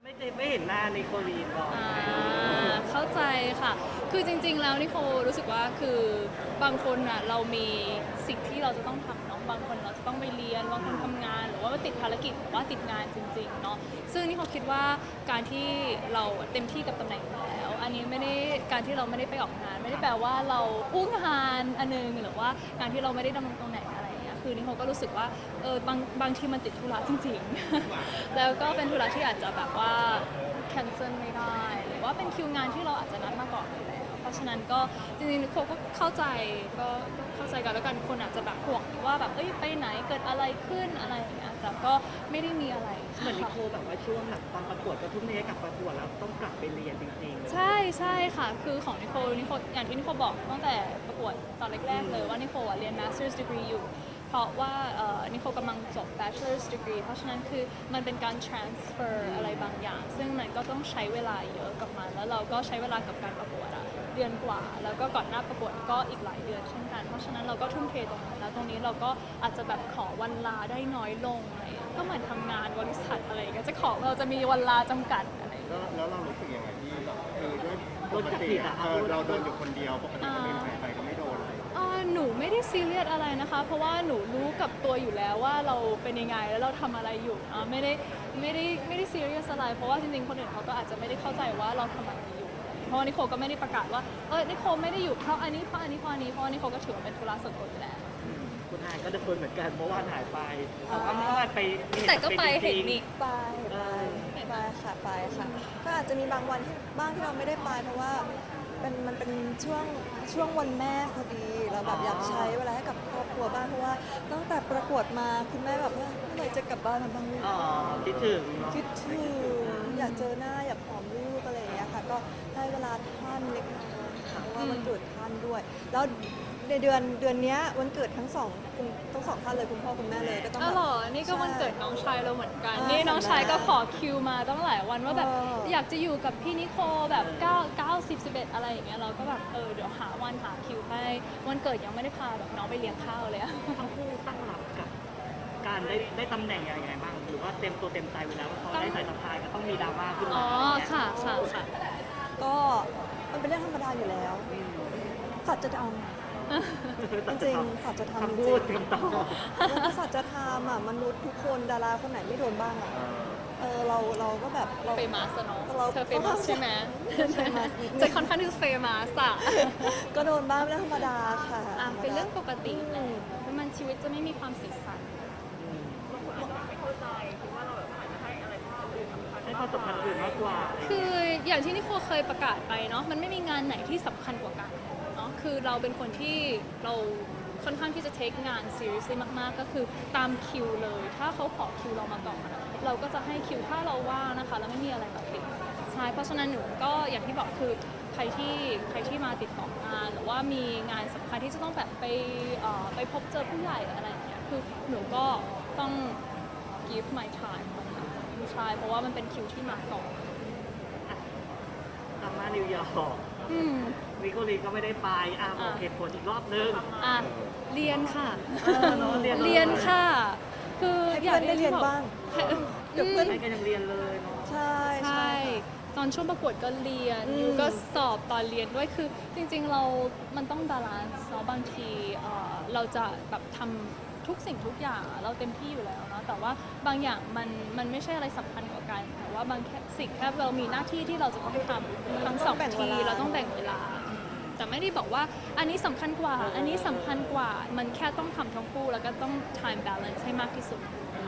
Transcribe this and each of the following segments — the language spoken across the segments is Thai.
ไม่เห็นหน้าในโคลีนก่อนเข้าใจค่ะคือจริงๆแล้วนี่โครู้สึกว่าคือบางคนอ่ะเรามีสิ่งที่เราจะต้องทำเนาะบางคนเราจะต้องไปเรียนบางคนทำงานหรือว่าติดภารกิจหรือว่าติดงานจริงๆเนาะซึ่งนี่โคคิดว่าการที่เราเต็มที่กับตำแหน่งอยู่แล้วอันนี้ไม่ได้การที่เราไม่ได้ไปออกงานไม่ได้แปลว่าเราอุ้งงานอันนึงหรือว่าการที่เราไม่ได้ดำรงตำแหน่งอะไรอย่างเงี้ยคือนี่โคก็รู้สึกว่าบางทีมันติดธุระจริงๆแล้วก็เป็นธุระที่อาจจะแบบว่าcancel ไม่ได้หรือว่าเป็นคิวงานที่เราอาจจะนัดมาก่อนอยู่แล้วเพราะฉะนั้นก็จริงๆโคก็เข้าใจก็เข้าใจกันแล้วกันคนอาจจะแบบห่วงว่าแบบไปไหนเกิดอะไรขึ้นอะไรอย่างเงี้ยแต่ก็ไม่ได้มีอะไรเหมือนนิโคแบบว่าช่วงหลังตอนประกวดก็ทุ่มเทกับประกวดแล้วต้องกลับไปเรียนจริงๆใช่ค่ะคือของนิโคอย่างที่นิโคบอกตั้งแต่ประกวดตอนแรกๆเลยว่านิโคเรียน Master's Degree อยู่เพราะว่านิโคกำลังจบ Bachelor's Degree เพราะฉะนั้นคือมันเป็นการ transfer อะไรบางอย่างซึ่งมันก็ต้องใช้เวลาเยอะกับมันแล้วเราก็ใช้เวลากับการประกวดเดือนกว่าแล้วก็ก่อนหน้าประกวดก็อีกหลายเดือนเช่นกันเพราะฉะนั้นเราก็ทุ่มเทตรงนั้นแล้วตรงนี้เราก็อาจจะแบบขอวันลาได้น้อยลงอะไรก็เหมือนทำงานบริษัทอะไรก็จะขอเราจะมีวันลาจำกัดอะไรแล้วเรารู้สึกยังไงที่แบบด้วยปกติเราโดนอยู่คนเดียวปกติคนอื่นใครก็ไม่โดนเลยหนูไม่ได้ซีเรียสอะไรนะคะเพราะว่าหนูรู้กับตัวอยู่แล้วว่าเราเป็นยังไงแล้วเราทำอะไรอยู่ไม่ได้ซีเรียสอะไรเพราะว่าจริงๆคนอื่นเขาก็อาจจะไม่ได้เข้าใจว่าเราทำอะไรอยู่เพราะว่านิโคก็ไม่ได้ประกาศว่านิโคไม่ได้อยู่เพราะอันนี้เพราะนิโคนิโคก็ถือว่าเป็นธุระส่วนตัวอยู่แล้วคุณอายก็จะคนเหมือนกันเมื่อวานหายไปแต่ว่าเมื่อวานไปแต่ก็ไปเห็นนี่ไปค่ะไปค่ะก็อาจจะมีบางวันที่บ้างที่เราไม่ได้ไปเพราะว่ามันเป็นช่วงวันแม่พอดีเราแบบอยากใช้เวลาให้กับครอบครัวบ้างเพราะว่าตั้งแต่ประกวดมาคุณแม่แบบว่าเมื่อไหร่จะกลับบ้านมาบ้างลูกคิดถึงอยากเจอหน้าอยากหอมลูกอะไรอย่างเงี้ยค่ะก็ให้เวลาท่านเล็กน้อยค่ะเพราะว่าวันเกิดท่านด้วยแล้วในเดือนนี้วันเกิดทั้งสองท่านเลยคุณพ่อคุณแม่เลยก็ต้องหรอนี่ก็วันเกิดน้องชายเราเหมือนกันนี่น้องชายก็ขอคิวมาตั้งหลายวันว่าแบบอยากจะอยู่กับพี่นิโคแบบ9 10 11อะไรอย่างเงี้ยเราก็แบบเดี๋ยวหาวันหาคิวให้วันเกิดยังไม่ได้พาแบบน้องไปเลี้ยงข้าวเลยทั้งคู่ตั้งรับกับการได้ตำแหน่งยังไงบ้างหรือว่าเต็มตัวเต็มใจไว้แล้วว่าพอได้สายสะพายก็ต้องมีดราม่าขึ้นมาค่ะก็มันเป็นเรื่องธรรมดาอยู่แล้วสัจธรรมจริงสัจธรรมพูดคำตอบแล้วก็สัจธรรมมนุษย์ทุกคนดาราคนไหนไม่โดนบ้างเราก็แบบเราเฟมัสเนาะเธอเฟมัสใช่ไหมจะค่อนข้างที่เฟมัสก็โดนบ้างเป็นเรื่องธรรมดาค่ะเป็นเรื่องปกติมันชีวิตจะไม่มีความสีสันให้ความสำคัญอื่นมากกว่าคืออย่างที่นิโคเคยประกาศไปเนาะมันไม่มีงานไหนที่สำคัญกว่ากันเนาะคือเราเป็นคนที่เราค่อนข้างที่จะเทคงาน seriously มากๆก็คือตามคิวเลยถ้าเขาขอคิวเรามาก่อนเราก็จะให้คิวถ้าเราว่างนะคะแล้วไม่มีอะไรแบบติดใช่เพราะฉะนั้นหนูก็อย่างที่บอกคือใครที่มาติดต่องานหรือว่ามีงานสำคัญที่จะต้องแบบไปพบเจอผู้ใหญ่อะไรอย่างเงี้ยคือหนูก็ต้อง give my time ใช่เพราะว่ามันเป็นคิวที่มาก่อนกลับมานิวยอร์กวิโกลีก็ไม่ได้ไปบอกเหตุผลอีกรอบนึงเรียนค่ะเรียนค่ะคืออยากได้เรียนบ้างเดี๋ยวเพื่อนก็ยังเรียนเลยเนาะใช่ตอนช่วงประกวดก็เรียนอยู่ก็สอบตอนเรียนด้วยคือจริงๆมันต้องบาลานซ์เนาะบางทีเราจะแบบทำทุกสิ่งทุกอย่างเราเต็มที่อยู่แล้วเนาะแต่ว่าบางอย่างมันไม่ใช่อะไรสำคัญกว่ากันแต่ว่าบางสิ่งแค่เรามีหน้าที่ที่เราจะต้องทำทั้งสองทีเราต้องแบ่งเวลาแต่ไม่ได้บอกว่าอันนี้สำคัญกว่าอันนี้สำคัญกว่ามันแค่ต้องทำทั้งคู่แล้วก็ต้อง time balance ให้มากที่สุด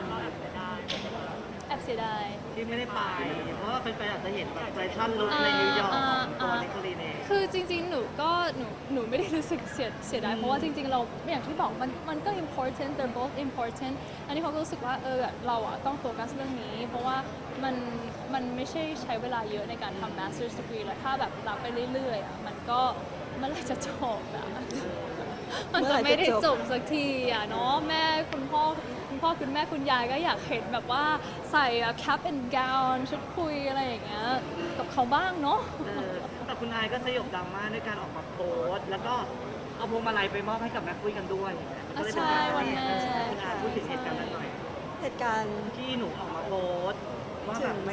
แอบเสียดายที่ไม่ได้ไปเพราะว่าแฟนๆอาจจะเห็นแบบแฟชั่นลุคในนิวยอร์กของตัวนิโคลีเน่คือจริงๆหนูไม่ได้รู้สึกเสียดายเพราะว่าจริงๆเราอย่างที่บอกมันก็ important they're both important อันนี้เขาก็รู้สึกว่าเราต้องโฟกัสเรื่องนี้เพราะว่ามันไม่ใช่ใช้เวลาเยอะในการทำ master's degree แล้วถ้าแบบรับไปเรื่อยๆมันก็เมื่อไหร่จะจบมันจะไม่ได้จบสักทีเนาะแม่คุณพ่อคุณแม่คุณยายก็อยากเห็นแบบว่าใส่ cap and gown ชุดคุยอะไรอย่างเงี้ยกับเขาบ้างเนาะแต่คุณนายก็สยบดราม่าด้วยการออกมาโพสต์แล้วก็เอาพวงมาลัยไปมอบให้กับแม่ปุ้ยกันด้วยใช่วันแม่คุณนายพูดถึงเหตุการณ์นั้นหน่อยเหตุการณ์ที่หนูออกมาโพสต์ว่าแบบไม่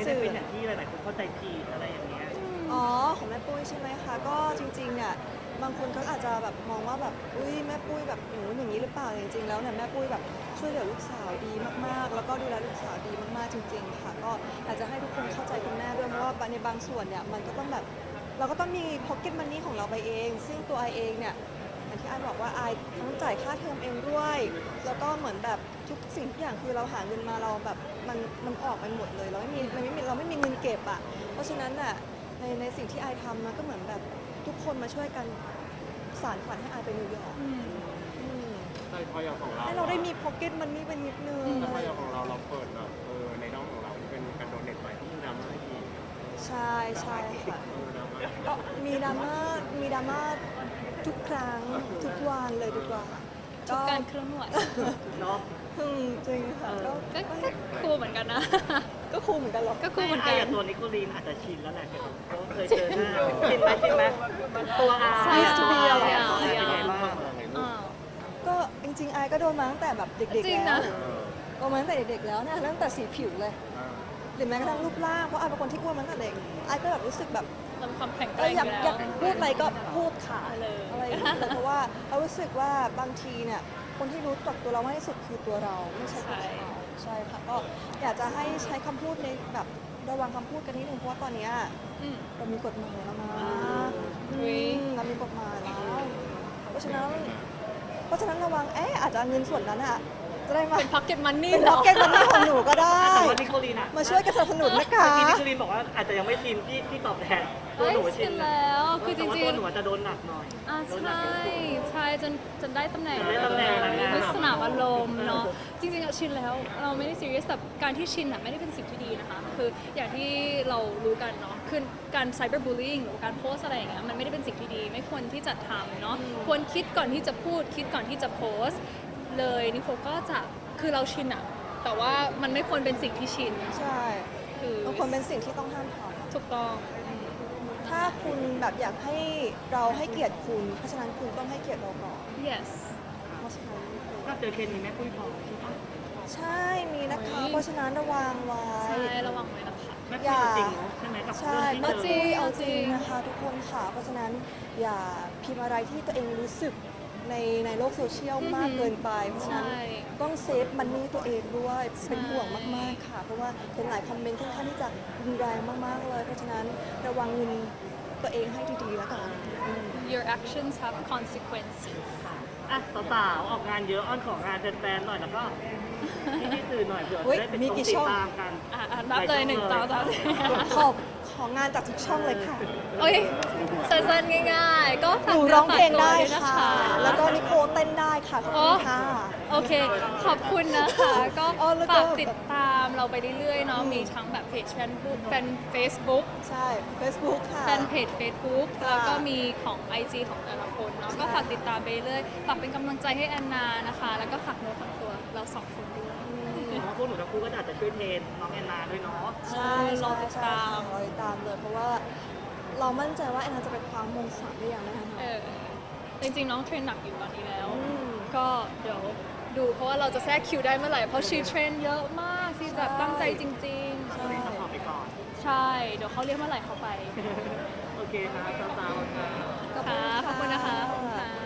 ได้เป็นอย่างที่หลายๆคนเข้าใจผิดอะไรอย่างเงี้ยอ๋อของแม่ปุ้ยใช่ไหมคะก็จริงๆเนี่ยบางคนเขาอาจจะแบบมองว่าแบบอุ้ยแม่ปุ้ยแบบอย่างนี้หรือเปล่าจริงๆแล้วเนี่ยแม่ปุ้ยแบบช่วยเหลือลูกสาวดีมากๆ แล้วก็ดูแลลูกสาวดีมากๆจริงๆค่ะก็อยากจะให้ทุกคนเข้าใจคุณแม่ด้วยเพราะว่าในบางส่วนเนี่ยมันก็ต้องแบบเราก็ต้องมี pocket money ของเราไปเอง ซึ่งตัวไอเองเนี่ยอย่างที่ไอบอกว่าไอต้องจ่ายค่าเทอมเองด้วยแล้วก็เหมือนแบบทุกสิ่งทุกอย่างคือเราหาเงินมาเราแบบมันออกไปหมดเลยเราไม่มีเราไม่มีเงินเก็บอ่ะเพราะฉะนั้นน่ะในสิ่งที่ไอทำมันก็เหมือนแบบทุกคนมาช่วยกันสานฝันให้ไอไปนิวยอร์กอืมใช่พออย่างของเราให้เราได้มี pocket money เป็นนิดนึงแต่พออย่างของเราเปิดแบบในด้อมของเราที่เป็นการโดเนทไปที่ดราม่าอีกใช่ใช่ค่ะดราม่าก็มีดราม่าทุกครั้งทุกวันเลยดีกว่าทุกการเคลื่อนไหวเนาะจริงค่ะก็ก็คูลเหมือนกันนะก็คูลเหมือนกันหรอก็คูลเหมือนไอ้กันอย่างตัวนิโคลีนอาจจะชินแล้วแหละเพราะเคยเจอหน้าชินไหมตัวอาใช่เป็นไงบ้างอ้าวก็จริงๆไอก็โดนมาตั้งแต่แบบเด็กจริงๆแล้นะวโดนมาตั้งแต่เด็กๆแล้วเนี่ยตั้งแต่สีผิวเลยหรือแม้กระทั่งรูปร่างเพราะไอเป็นคนที่อ้วนมาตั้งแต่เด็กไอก็แบบรู้สึกแบบเรามีความแข็งแกก็ร่งอยากอยู่อยากแล้วพูดอะไรก็พูดค่ะไปเลยอะไรอย่างเงี้ยเลยเพราะว่าเรารู้สึกว่าบางทีเนี่ยคนที่รู้จักตัวเรามากที่สุดคือตัวเราไม่ใช่ตัวเขาใช่ค่ะก็อยากจะให้ใช้คำพูดในแบบระวังคำพูดกันนิดนึงเพราะว่าตอนเนี้ยอืมเรามีกฎหมายแล้วนะอุ๊ยเรามีกฎหมายแล้ว เพราะฉะนั้นระวังอาจจะเอาเงินส่วนนั้นอะจะได้มาเป็น pocket money เป็นเหรล็ออกเก็ตมันนี่ของหนูก็ได้แต่ว่านิโคลีนอะมาช่วยกันสนับสนุนนะคะเมื่อกี้นิโคลีนบอกว่าอาจจะยังไม่ชินที่ตอบแทนตัวหนูเอ้ยชิชินนแล้วคือจแต่ว่าริตัวงหนูอาจจะโดนหนักหน่อยๆโดนหนัใช่กเป็นตัวใช่จนได้ตำแหน่งได้ตำแหน่งนางงามด้วยสนามอารมณ์เนาะจริงๆอะชินแล้วเราไม่ได้ซีเรียสแต่การที่ชินอะไม่ได้เป็นสิ่งที่ดีนะคะคืออย่างที่เรารู้กันเนาะคือการไซเบอร์บูล i ิ g หรือการโพสอะไรอย่างเงี้ยมันไม่ได้เป็นสิ่งที่ดี ไม่ควรที่จะทำเนาะควรคิดก่อนที่จะพูดคิดก่อนที่จะโพสต์เลยนิโคก็จะคือเราชินอะแต่ว่ามันไม่ควรเป็นสิ่งที่ชินใช่คือมันควรเป็นสิ่งที่ต้องห้ามทถูกต้องำถ้าคุณแบบอยากให้เราให้เกียรติคุณ เพราะฉะนั้นคุณต้องให้เกียรติเราก่อน yes เพราะฉะนั้นก็เจอเคนนี้แม่ปุ้ยพอใช่ปะใช่มีนะคะ เพราะฉะนั้นระวังไว้ใช่ระวังไว้นะคะแม่ปุ้ยเอาจริงเนาะใช่ไหมกับใช่เรื่องที่เจอเอาจริงนะคะทุกคนค่ะ เพราะฉะนั้นอย่าพิมพ์อะไรที่ตัวเองรู้สึกในโลกโซเชียลมากเกินไป เพราะฉะนั้นใช่ต้องเซฟมันนี่ตัวเองด้วยเป็นห่วงมากๆค่ะ เพราะว่าเป็นหลายคอมเมนต์ค่อนข้างที่จะรุนแรงมากๆเลย เพราะฉะนั้นระวังเงินตัวเองให้ดีๆแล้วกัน your actions have consequences อ่ะสาวๆออกงานเยอะอ้อนของงานแฟนๆหน่อยแล้วก็ที่สื่อหน่อยเผื่อเฮ้ยจะได้เป็นมีต้องกี่ติช่ดองตามกันนับเลย1 2 ของานจากทุกช่องเลยค่ะโอ้ยสั้นๆง่ายๆ ก็หฝากนูนื้ร้องเพลงฝากตัวได้วยนค่ะ แล้วก็นิโคเต้นได้ค่ะขอบคุณค่ะโอเค ขอบคุณนะคะ ก็อ๋อแล้วก็ฝากติดตามเราไปเรื่อยๆเนาะมีทั้งแบบเพจแฟนบุ๊กแฟน Facebook ใช่ Facebook ค่ะแฟนเพจ Facebook ค่ะแล้วก็มีของ IG ของแต่ละคนเนาะใช่ก็ฝากติดตามไปเรื่อยฝากเป็นกำลังใจให้แอนนานะคะ แล้วก็ฝากเนื้อฝากตัวเราสองคนด้วยเพราะพวกหนูทั้งคู่ก็อาจจะช่วยเทรนน้องแอนนาด้วยเนาะใช่รอติดตามรอติดตามเลย เพราะว่าเรามั่นใจว่าแอนนาจะไปคว้ามงสามได้อย่างแน่นอนจริงๆ น้องเทรนหนักอยู่ตอนนี้แล้วอืมก็เดี๋ยวดูเพราะว่าเราจะแทรกคิวได้เมื่อไหร่ เพราะชีเทรนเยอะมากที่แบบตั้งใจจริงตอนนี้ซัพพอร์ตไปก่อนๆ ใช่ เดี๋ยวเขาเรียกเมื่อไหร่เขาไปโอเคค่ะสาวๆค่ะค่ะ ขอบคุณนะคะขอบคุณค่ะ